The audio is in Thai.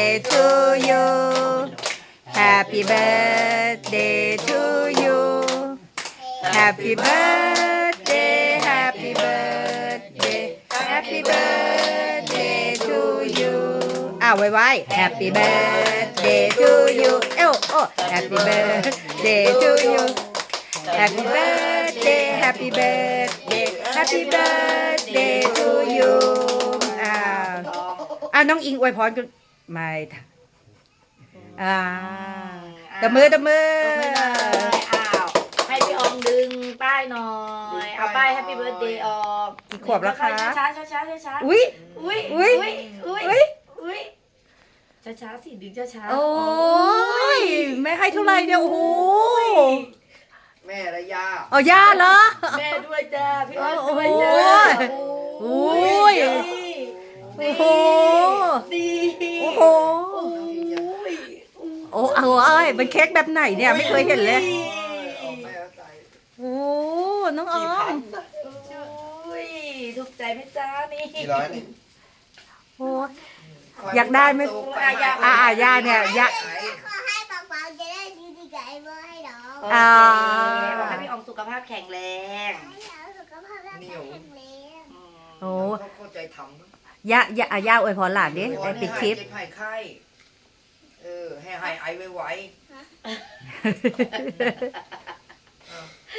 to you Happy birthday to you Happy birthday Happy birthday Happy birthday to you ไว้ Happy birthday to you Happy birthday to you Happy birthday Happy birthday Happy birthday to you น้องอิงอวยพรกันไม่ตบมือให้พี่อองดึงป้ายหน่อยเอาป้าย Happy Birthday ออกกี่ขวบแล้วคะช้าอุ้ยช้าสิดึงช้าโอ้ยไม่ให้เท่าไรเนี่ยโอ้โหแม่และย่าย่าเหรอแม่ด้วยจ้าพี่อองด้วยจ้าโอ้ยโอ้โหเป็นเค้กแบบไหนเนี่ยไม่เคยเห็นเลยโอ้น้องออมถูกใจไหมจ้านี่กี่ร้อยนี่โอ้อยากได้ไหมย่าเนี่ยย่าขอให้ป๊าป๊าจะได้ดีๆกับไอ้เบอร์ให้น้องให้พี่อองสุขภาพแข็งแรงให้เราสุขภาพร่างกายแข็งแรงโอ้เข้าใจทำย่าอวยพรหลานดิได้ปิดคลิปให้ไข้ให้ไอไว้